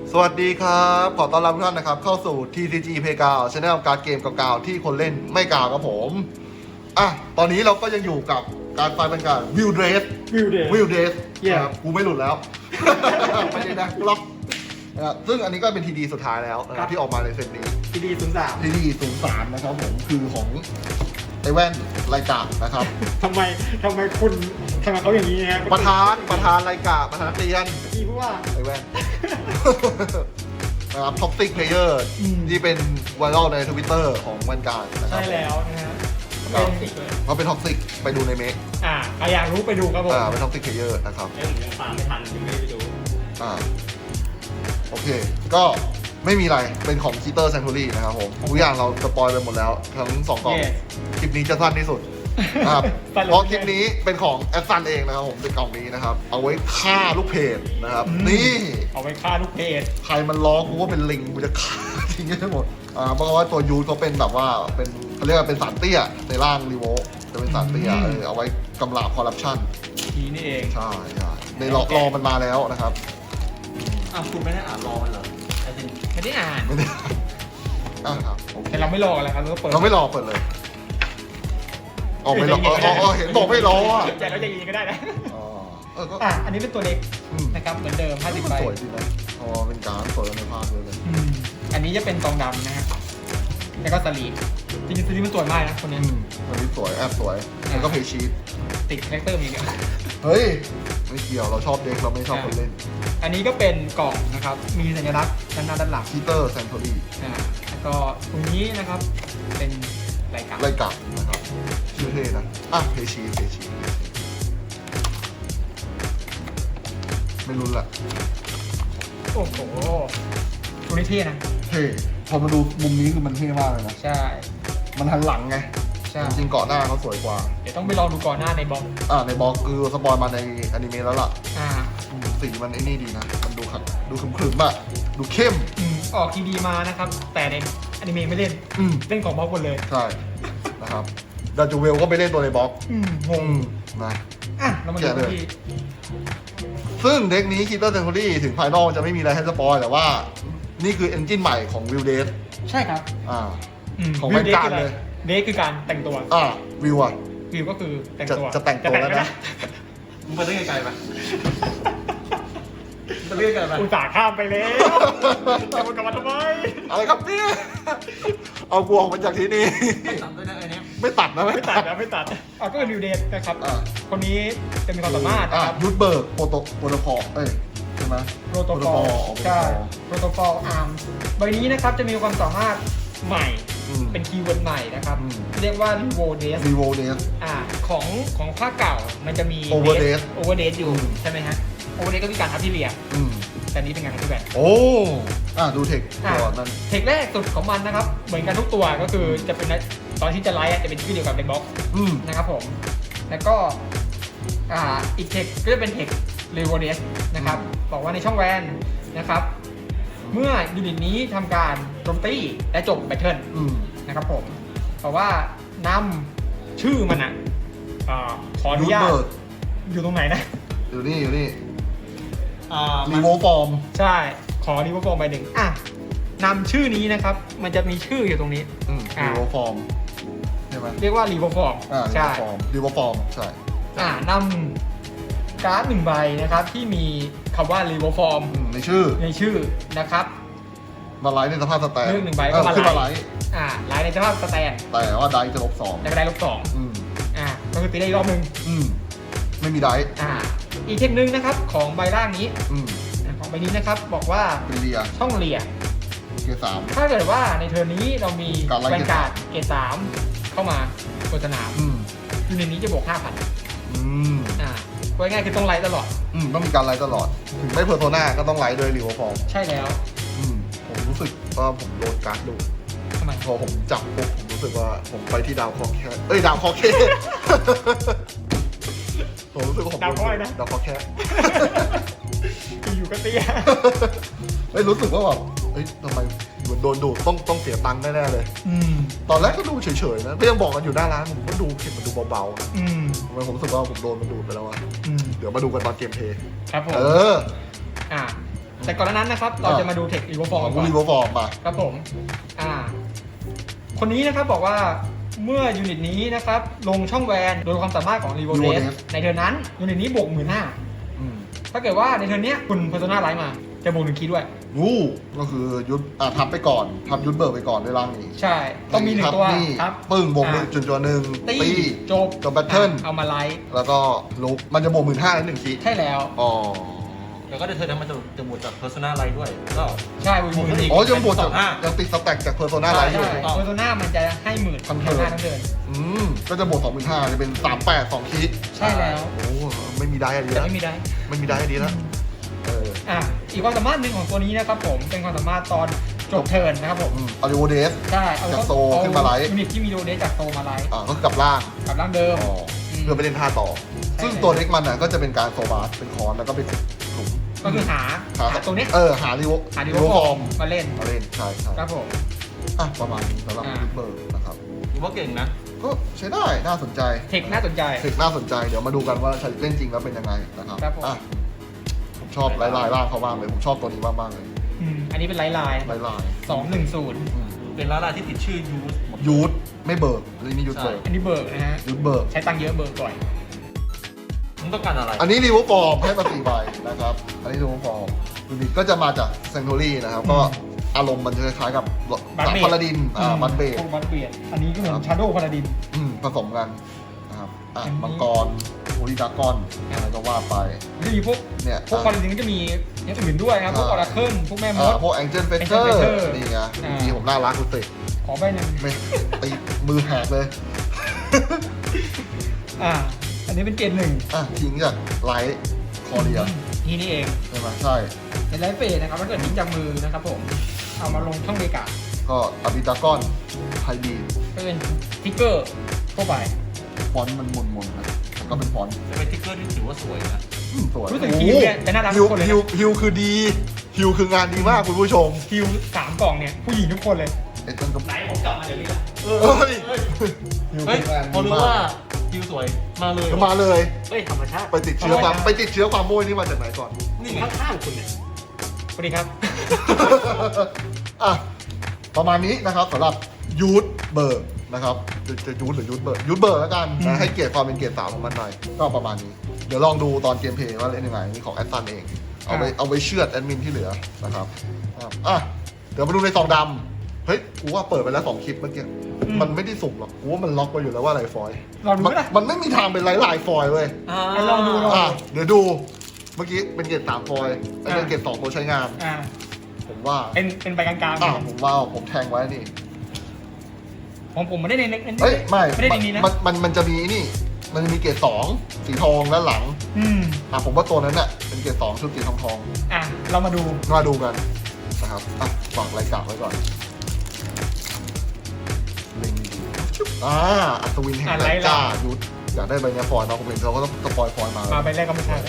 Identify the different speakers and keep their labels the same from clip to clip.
Speaker 1: สวัสดีครับขอต้อนรับทุกท่านนะครับเข้าสู่ TCG Playground Channel การเกมเก่าๆที่คนเล่นไม่กล่าวครับผมตอนนี้เราก็ยังอยู่กับการไฟเป็นการวิวเดรสครับกูไม่หลุดแล้ว ไม่ได้นะล็อกซึ่งอันนี้ก็เป็นทีดีสุดท้ายแล้วนะครับที่ออกมาในเซตนี้ TD03 นะครับผมคือของไอแว่นไลกานะครับ
Speaker 2: ทำไมคุณทำไมเขาอย่างนี้ฮะ
Speaker 1: ประธานไลกาประธานนักเรียน
Speaker 2: พี่พูดว่า
Speaker 1: ไอแว่น นะครับท็อกซิกเพลเยอร์ที่เป็นไวรัลใน Twitter ของวันการนะครั
Speaker 2: ใช่
Speaker 1: บ
Speaker 2: แล้วนะฮะ
Speaker 1: ครับ
Speaker 2: เป็นสิกเลย
Speaker 1: เขาเป็นท็อกซิกไปดูในเมค
Speaker 2: ใครอยากรู้ไปดูครับผม
Speaker 1: เป็นท็อกซิกเพลเยอร์นะครับ
Speaker 3: ผมยังตามไม่ทันยังไม่ได้ไปดู
Speaker 1: โอเคก็ไม่มีอะไรเป็นของคีเตอร์แซนทูรี่นะครับผมทุกอย่างเราสปอยไปหมดแล้วทั้ง2กล่องคลิปนี้จะสั้นที่สุดนะครับเพราะคลิปนี้เป็นของแอดซันเองนะครับผมเป็นกล่องนี้นะครับเอาไว้ฆ่าลูกเพจนะครับนี่
Speaker 2: เอาไว้ฆ่าลูกเพจ
Speaker 1: ใครมันร้องกูว่าเป็นลิงกูจะฆ่าทิ้งให้หมดเพราะว่าตัวยูทเขาเป็นแบบว่าเป็นเขาเรียกว่าเป็นสารเตี้ยในร่างรีโวจะเป็นสารเตี้ยเอาไว้กำราบคอร์รัปชัน
Speaker 2: ทีนี่เอง
Speaker 1: ใช่ในรอมันมาแล้วนะครับ
Speaker 3: คุณไม่ได้อ่านรอมันเหรอไอ้จริง
Speaker 2: ไม่ได้อ่าน
Speaker 1: ไม่ได้ครับโอเค
Speaker 2: แต่เราไม่รออะไรครับเราก็เปิด
Speaker 1: เราไม่รอเปิดเลยไม่รอเห็นบอกไม่รออ่ะ
Speaker 2: ใจเราจะยิงก็ได้นะ
Speaker 1: ก็
Speaker 2: อันนี้เป็นตัวเล็กนะครับเหมือนเดิม
Speaker 1: มัน
Speaker 2: 50ใบ
Speaker 1: สวยดีนะเป็นการเปิดในภาพเลย
Speaker 2: อันนี้จะเป็นกองดำนะฮะแล้วก็สลีปจริงๆสลีปมันสวยมากนะคนนี้
Speaker 1: วันนี้สวยแอบสวยแล้วก็เพย์ชีต
Speaker 2: ติดคาแรคเตอร์มีกัน
Speaker 1: เฮ้ยไม่เกี่ยวเราชอบเด็กเราไม่ชอบคนเล่น
Speaker 2: อันนี้ก็เป็นกล่องนะครับ มีสัญลักษณ์ด้านหน้าด้านหลัง
Speaker 1: คีเตอร์แซนโทรี่
Speaker 2: แล้วก็ตรงนี้นะครับ เป็นรายการ
Speaker 1: ไล่กลับนะครับชื่อเท่นะเพย์ชีตไม่รู้ละ
Speaker 2: โอ้โหตัวนี้เท่นะ
Speaker 1: เท่พอมาดูมุมนี้คือมันเท่มากเลยนะ
Speaker 2: ใช่
Speaker 1: มันหันหลังไง
Speaker 2: ใช่
Speaker 1: จริงๆเกาะหน้าเขาสวยกว่า
Speaker 2: เดี๋ยวต้องไปลองดูก่อนหน้าในบล็อก
Speaker 1: ในบล็อกคือสปอยมาในอนิเมะแล้วล่ะ
Speaker 2: อ่า
Speaker 1: สีมันไอ้นี่ดีนะ มันดูขัดดูขรึมๆอะดูเข้ม
Speaker 2: ออกทีดีมานะครับ แต่ในอนิเมะไม่เล่น เล่นของบล็อกหมดเลย
Speaker 1: ใช่นะครับดาจูเวลก็ไปเล่นตัวในบล็อก
Speaker 2: งง
Speaker 1: นะ
Speaker 2: เรามาดูที่
Speaker 1: ซึ่งเด็กนี้คิดว่าเซนทูรี่ถึงภายนอกจะไม่มีอะไรให้สปอยแต่ว่า นี่คือเอนจินใหม่ของวิวเดส
Speaker 2: ใช่ครับ
Speaker 1: ของแวนการ์ดเลย
Speaker 2: เดทคือการแต่งตัว
Speaker 1: วิวอะ
Speaker 2: วิวก็คือแต่งตัว
Speaker 1: จะแต่งตัวแล้วนะ
Speaker 3: มึงไปได้ไกลๆปะไปเรื่อยไกลไป
Speaker 2: อุตส่าห์ข้ามไปแล้วจะมากลับมาทำไม
Speaker 1: อะไรครับเนี่ยเอากูออกมาจากที่นี่
Speaker 3: ไม่ตัดด้วยนะไอ้เนี้ย
Speaker 1: ไม่ตัดนะ
Speaker 2: ไม่ตัดก็เป็นวิวเดทนะครับ คนนี้จะมีความสามารถนะครับ
Speaker 1: ยุทธเบิร์กโปรโตคอลใช่ไหม
Speaker 2: โปรโตคอลใช่โปรโตคอลอาร์มใบนี้นะครับจะมีความสามารถใหม่เป็นคีย์เวิร์ดใหม่นะครับเรียกว่า r e v o d e s
Speaker 1: รีโวเดส
Speaker 2: ของภาคเก่ามันจะมี
Speaker 1: Overdate
Speaker 2: Overdate อยู่ใช่ไหมฮะ Overdate ก็มีการทับที่เรียแต่นี้เป็นการทับที่แบบ
Speaker 1: ดูเทคตัวนั้น
Speaker 2: เทคแรกสุดของมันนะครับเหมือนกันทุกตัวก็คือจะเป็นตอนที่จะไลฟ์จะเป็นชื่อเดียวกับในบล็อกนะครับผมแล้วก็อีกเทคก็จะเป็นเทค r e v o d e s นะครับบอกว่าในช่องแวนนะครับเมื่อยูนิตนี้ทำการโจมตีและจบแบทเทิลนะครับผมเพราะว่านำชื่อมันขออนุญาตอยู่ตรงไหนนะ
Speaker 1: อยู่นี่รี
Speaker 3: มัน
Speaker 1: โวฟอร์ม
Speaker 2: ใช่ขอรีโวฟอร์มใบหนึ่งนำชื่อนี้นะครับ มันจะมีชื่ออยู่ตรงนี้
Speaker 1: รีโวฟอร์มใช่ไหม
Speaker 2: เรียกว่ารีโวฟอร์มใช่
Speaker 1: รีโวฟอร์มใช่
Speaker 2: นำการ์ดหนึ่งใบนะครับ ที่มีคำว่ารีโวฟอร์ม
Speaker 1: ในชื่อ
Speaker 2: นะครับ
Speaker 1: มาไลท์ในสภาพสแตน
Speaker 2: เรื่องหนึ่งใบก็
Speaker 1: ขึ้นมา
Speaker 2: มา
Speaker 1: ไล
Speaker 2: ไลท์
Speaker 1: ท์
Speaker 2: ไลท์ในสภาพสแตน
Speaker 1: แต่ว่าไดจะ-2
Speaker 2: แล้วก็ได้ลบ2ก็คือตีได้อีกรอบหนึ่ง
Speaker 1: ไม่มีได
Speaker 2: อีกเทคนึงนะครับของใบล่างนี้ของใบนี้นะครับบอกว่า
Speaker 1: เป็นเรีย
Speaker 2: ช่องเลีย
Speaker 1: เกียร์3
Speaker 2: ถ้าเกิดว่าในเทิร์นนี้เรามี
Speaker 1: การไล่
Speaker 2: แวนการ์ดเกรด3เข้ามาบนสนามยูนิตนี้จะบวก 5,000พูดง่ายๆคือต้องไลท์ตลอด
Speaker 1: ต้องมีการไลท์ตลอดถึงไม่เพอร์โซนาก็ต้องไลท์ด้วยรีโวฟอร์ม
Speaker 2: ใช่แล้ว
Speaker 1: ผมรู้สึกว่าผมโดนการ์ดดู
Speaker 2: ทำไม
Speaker 1: พอผมจับปุ๊บผมรู้สึกว่าผมไปที่ดาวคอแคทดาวคอเคผมรู้สึกว่าผม
Speaker 2: ดาวคอยนะ
Speaker 1: ดาวคอแคท
Speaker 2: อยู่ก็เตี้ย
Speaker 1: รู้สึกว่าแบบทำไมเหมือนโดนดูดต้องเสียตังค์แน่ๆเลยตอนแรกก็ดูเฉยๆนะก็ยังบอกกันอยู่หน้าร้านผมก็ดูเห็นมันดูเบาๆนะทำไมผมรู้สึกว่าผมโดนมันดูดไปแล้วอะเดี๋ยวมาดูกันตอนเกมเพลย์
Speaker 2: ครับผมแต่ก่อนหน้านั้นนะครับ เราจะมาดูเทครีโวฟอร์ม
Speaker 1: ของ
Speaker 2: ก่อน
Speaker 1: รีโวฟอร์มมา
Speaker 2: ครับผม คนนี้นะครับบอกว่าเมื่อยูนิตนี้นะครับ ลงช่องแวนโดยความสามารถของรีโวเดสในเทิร์นนั้น ยูนิตนี้บวก 15,000
Speaker 1: อืม
Speaker 2: ถ้าเกิดว่าในเทิร์นเนี้ยคุณเพอร์โซนาไลท์มาจะบวก1 คีย์ด้วย
Speaker 1: อู้ก็คือยุดทับไปก่อนทับยุดเบิร์กไปก่อนด้วยร่างนี้
Speaker 2: ใช่ ต้องมี1 ตัว
Speaker 1: นี่
Speaker 2: ครับ
Speaker 1: ปึ้งบวกหนึ่งจุดตัวหนึ่ง
Speaker 2: ตี
Speaker 1: ตี
Speaker 2: จบ
Speaker 1: จบ battle
Speaker 2: เอามาไลท์
Speaker 1: แล้วก็ลุกมันจะบวก15,000แล้ว1 ที
Speaker 2: ใช่แล้ว
Speaker 1: อ๋อ
Speaker 3: แล้วก็ได้เธอนั้นมันจะบวกจาก Persona อะไรด้วยก็
Speaker 2: ใช่บวก
Speaker 3: บวกขึ้นอีก
Speaker 1: อ๋อยังบวกจาก
Speaker 3: 25,000
Speaker 1: ยังติดสแต็กจากเพอร์โซนาไลท์อ
Speaker 2: ใช่
Speaker 1: ยู่
Speaker 2: เพอร์โซนามันจะให้หมื่น
Speaker 1: ทั้ง
Speaker 2: ทั้
Speaker 1: เทิ
Speaker 2: ง
Speaker 1: ร์น
Speaker 2: ทั้งเทิร์น
Speaker 1: ก็จะบวก25,000จะเป็น38 2 คิด
Speaker 2: ใช่แล้ว
Speaker 1: โอ้ไม่มีได้อะดี
Speaker 2: แต่
Speaker 1: แล้ว
Speaker 2: ไม่มีได้
Speaker 1: ไม่มีได้อะดีแล้วเออ
Speaker 2: อีกความสามารถหนึ่งของตัวนี้นะครับผมเป็นความสามารถตอนจบเทิร์นนะครับผม
Speaker 1: อาริโอเดส
Speaker 2: ใช่เอา
Speaker 1: จากโซขึ้นมาไลท์
Speaker 2: ยูนิตที่มีโดเดสจากโซมาไลท์
Speaker 1: ก็คือกลับล่าง
Speaker 2: กับร่างเดิม
Speaker 1: อ๋อเพื่อไปเล่นท่าต่อ
Speaker 2: ใช่
Speaker 1: ซึ่งตัวเล็กมันน่ะก็จะเป็นการโซบาร์เป็นคอนแล้วก็เป็นหลุม
Speaker 2: ก็คือหาตัวเนี้ย
Speaker 1: หาริโว
Speaker 2: หาดิวฟอร์มมาเล่น
Speaker 1: มาเล่นใช่ใช่
Speaker 2: ครับผม
Speaker 1: ประมาณนี้สำหรับลิเบอร์นะครับ
Speaker 3: ถือว่าเก่งนะ
Speaker 1: ก็ใช้ได้น่าสนใจ
Speaker 2: เทคน่าสนใจ
Speaker 1: เทคน่าสนใจเดี๋ยวมาดูกันว่าใช้เล่นจริงแล้วเป็นยังไงนะครับ
Speaker 2: ครับผม
Speaker 1: ผมชอบลายร่างเขาบ้างเลยผมชอบตัวนี้มากๆเลย
Speaker 2: อันนี้เป็นไลน์
Speaker 1: ลาย
Speaker 2: 210
Speaker 3: เป็นร้านอะไรที่ติดชื่อยูสหมด
Speaker 1: ยูทไม่เบิร์กอันนี้ยูทเบิร์ก
Speaker 2: อันนี้เบิร์กนะฮะ
Speaker 1: ยูทเบิร์ก
Speaker 2: ใช้ตังค์เยอะเบิร์กบ่อย
Speaker 3: มึงต้องการอะไร
Speaker 1: อันนี้รีวอร์ฟอร์มให้มา4 ใบนะครับอันนี้รีวอร์ฟอร์มยูนิตก็จะมาจากเซนโทรี่นะครับก็อารมณ์มันจะคล้ายๆกับสามพาราดินบัตเบด
Speaker 2: พวกบัตเบียดอันนี้ก็เหมือนชาโดว์พาราดิน
Speaker 1: ผสมกันนะครับ
Speaker 2: อันนี้
Speaker 1: มังกรโอริดากอนอะไรก็ว่าไป
Speaker 2: ก็มีพวก
Speaker 1: เนี่ย
Speaker 2: พาราดินก็จะมีอย่างอื่นด้วยครับพวกออราเคิลพวกแม่มด
Speaker 1: พวกแองเจิลเฟเตอ
Speaker 2: Angel
Speaker 1: ร์
Speaker 2: Feather
Speaker 1: นี่ไง
Speaker 2: อ่า
Speaker 1: ดีผมน่ารักคุณติ
Speaker 2: ขอใบหนึ่ง
Speaker 1: ไม่ตีมือแหกเลย
Speaker 2: อันนี้เป็นเกรดหนึ่ง
Speaker 1: ทิ้งจากไลท์คอเรีย
Speaker 2: ทีนี้เอง
Speaker 1: ใช่ไหมใช่
Speaker 2: เป็นไลฟ์เฟสนะครับถ้าเกิดทิ้งจากมือนะครับผมเอามาลงช่องเบกา
Speaker 1: ก็อาบิดากอนไฮบี
Speaker 2: ก็เป็นทิกเกอร์ทั่วไป
Speaker 1: ฟอนต์มันมนๆนะแล้วก็เป็นฟอนต์
Speaker 3: จะเป็นติ๊กเกอร์ที่ถือว่าสวยนะ
Speaker 1: สวย
Speaker 2: รู้สึกฮิวเนี่ยจะน่ารัก
Speaker 1: ฮิ
Speaker 2: ทุ
Speaker 1: ว
Speaker 2: กคนเลย
Speaker 1: ฮิว
Speaker 2: นะ
Speaker 1: ฮิวคือดีฮิวคืองานดีมากคุณผู้ชม
Speaker 2: ฮิว3 กล่องเนี่ยผู้หญิงทุกคนเลย
Speaker 1: ไอ้ต้นก็
Speaker 3: ไหนผมกลับมาเดี๋ยวนี้ละ
Speaker 1: เฮ้ยฮิว
Speaker 3: เฮ้ย
Speaker 1: คืองาน
Speaker 3: พอ
Speaker 1: ดี
Speaker 3: รู้
Speaker 1: มา
Speaker 3: ว่าก คิวสวยมาเลย
Speaker 1: มาเลย
Speaker 3: เฮ้ยธรรมชาติ
Speaker 1: ไปติดเชื้อความโม้ยนี่มาจากไหนก่อน
Speaker 3: นี่ไงข้างๆคุณเนี่ย
Speaker 2: สวัสดีครับ
Speaker 1: ประมาณนี้นะครับสำหรับยูทเบิร์กนะครับจะยูทหรือยูทเบิร์กยูทเบิร์กแล้วกันนะให้เกียรติความเป็นเกียรติสาวของมันหน่อยก็ประมาณนี้ เดี๋ยวลองดูตอนเกมเพลย์ว่าเล่นยังไงนี่ของแอดซันเองเอาไปเชือดแอดมินที่เหลือนะครับเดี๋ยวมาดูในซองดำเฮ้ยกูว่าเปิดไปแล้ว2 คลิปเมื่อกี้มันไม่ได้สุ่มหรอกกูว่ามันล็อกไปอยู่แล้วว่าไลฟ์ฟอยล์
Speaker 2: ลองดูไหมล่ะ
Speaker 1: มันไม่มีทางเป็นไลฟ์ฟอยล์เว้ย
Speaker 2: ลองดู
Speaker 1: เดี๋ยวดูเมื่อกี้เป็นเกรด3 ฟอยล์แล้วเป็นเกรด2 ตัวใช้งาน ผมว่า
Speaker 2: เป็นใบกลางๆ
Speaker 1: ผมว่าผมแทงไว้นี่
Speaker 2: ของผมไม่ได้ในเล็ก
Speaker 1: เฮ้ยไม่
Speaker 2: ได้ในนี้นะ
Speaker 1: มันจะมีนี่ มันจะมีเกรด2 สีทองด้านหลัง ผมว่าตัวนั้นน่ะเป็นเกรด2 ชุดสีทอง
Speaker 2: เรามาดู
Speaker 1: มาดูกันนะครับฝากรายการไว้ก่อนเล็งดีอัศวินแห่งแรงกล้ายุทธอยากได้ใบเนี้ยฟอยล์เนาะผมเห็นเขาก็ต้องสปอยล์ฟอยล์มา
Speaker 2: ใบแรกก็ไม่ใช่เลย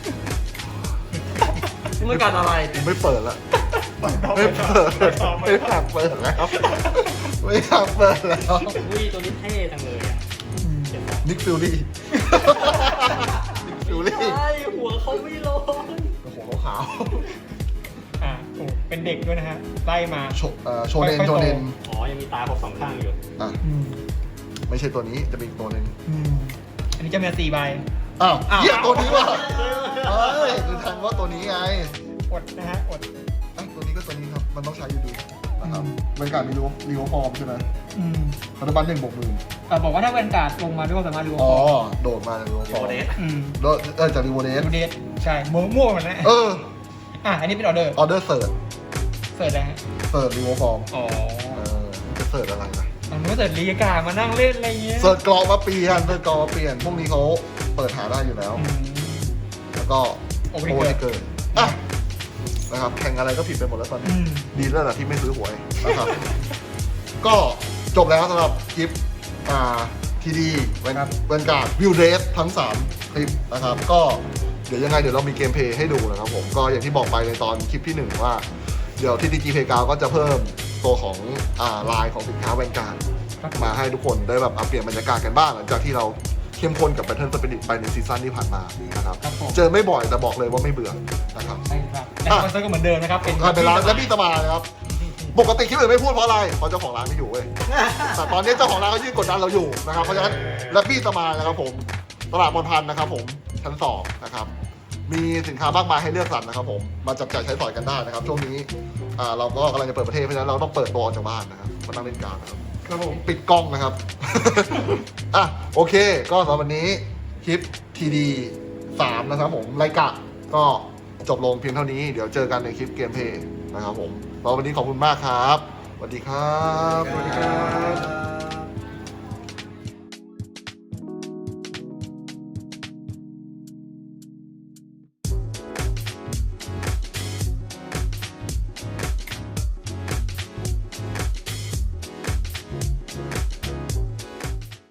Speaker 3: มึงต้องการอะไร
Speaker 1: ผมไม่เปิดละไม่เปิดไม่อยากเปิดแล้วไม่อยากเปิดแล้ว
Speaker 3: อุ้ยตัวนี้เท่จังเลยอ่ะ
Speaker 1: นิกฟิลลี่นิกฟิลลี่
Speaker 3: ใช่หัวเขาไม่ร้อน
Speaker 1: โอ้โหขาว
Speaker 2: เป็นเด็กด้วยนะฮะไล่มา
Speaker 1: โชเนน
Speaker 3: อ๋อยังมีตาครบ2 ข้างอยู่
Speaker 1: ไม่ใช่ตัวนี้จะเป็นอีกตัวหนึ่ง
Speaker 2: อันนี้จะมี4 ใบ
Speaker 1: เหี้ยตัวนี้ว่ะเฮ้ยคือทันว่าตัวนี้ไง
Speaker 2: อดนะฮะอด
Speaker 1: ตัวนี้ก็ตัวนี้ครับมันต้องใช้อยู่ดีนะครับบรรยากาศมีรีโอฟอร์มใช่ไหมปัจจุบัน1 บวก 10,000
Speaker 2: บอกว่าถ้าแวนการ์ดลงมาด้วยความสามารถดู
Speaker 1: โดดมาจากรีโอฟอร์ม
Speaker 3: เดส
Speaker 1: จากรีโวเดส
Speaker 2: ดูเดทใช่มั่วๆมันนะอันนี้เป็นออเดอร์
Speaker 1: ออเดอร์เสิร์ช
Speaker 2: เสิร์ชนะฮะ
Speaker 1: เสิร์ชรีโอฟอร์ม
Speaker 2: มัน
Speaker 1: จะเสิร์ชอะไรนะ
Speaker 2: ก็เสิร์ชลีกามานั่งเล่นอะไรเงี้ย
Speaker 1: เสิร์ชกรอกมาเปลี่ยนพวกนี้เขาเปิดหาได้อยู่แล้ว แล้วก็โอเวอร์เกินนะครับแข่งอะไรก็ผิดไปหมดแล้วตอนนี้ดีแล้วแหละที่ไม่ซื้อหวยนะครับ ก็จบแล้วสำหรับคลิปทีดีเวนการ์ดวิวเดสทั้ง3 คลิปนะครับ ก็เดี๋ยวยังไงเดี๋ยวเรามีเกมเพลย์ให้ดูนะครับผมก็อย่างที่บอกไปในตอนคลิปที่ 1 ว่า เดี๋ยวที่ TG Playground ก็จะเพิ่มตัวของลายของสินค้าแวนการ์ดมาให้ทุกคนได้แบบเปลี่ยนบรรยากาศกันบ้างหลังจากที่เราเข้มข้นกับ Battle Spirit ไปในซีซั่นที่ผ่านมานะครับเจอไม่บ่อยแต่บอกเลยว่าไม่เบื่อนะครับ
Speaker 2: ใช่ครับและสปอนเซอร์ก็เหมือนเดิมนะครับ
Speaker 1: เป็นร้านและพี่สมายนะครับปกติคลิปอื่นไม่พูดเพราะอะไรเพราะเจ้าของร้านไม่อยู่เว้ยแต่ตอนนี้เจ้าของร้านเขายื่นกดดันเราอยู่นะครับเพราะฉะนั้นและพี่สมายนะครับผมตลาดบนพันนะครับผมชั้น2นะครับมีสินค้ามากมายให้เลือกสรรนะครับผมมาจับจ่ายใช้สอยกันได้นะครับช่วงนี้เราก็กำลังจะเปิดประเทศเพราะฉะนั้นเราต้องเปิดตัวออกจากบ้านนะครับมานั่งเล่นการนะครับ
Speaker 2: ครับผม
Speaker 1: ปิดกล้องนะครับ อ่ะโอเค ก็สำหรับวันนี้คลิป TD 3นะครับผมไลกะก็จบลงเพียงเท่านี้เดี๋ยวเจอกันในคลิปเกมเพลย์นะครับผมแล้ววันนี้ขอบคุณมากครับสวัสดีครับ
Speaker 2: สวัสดีครับ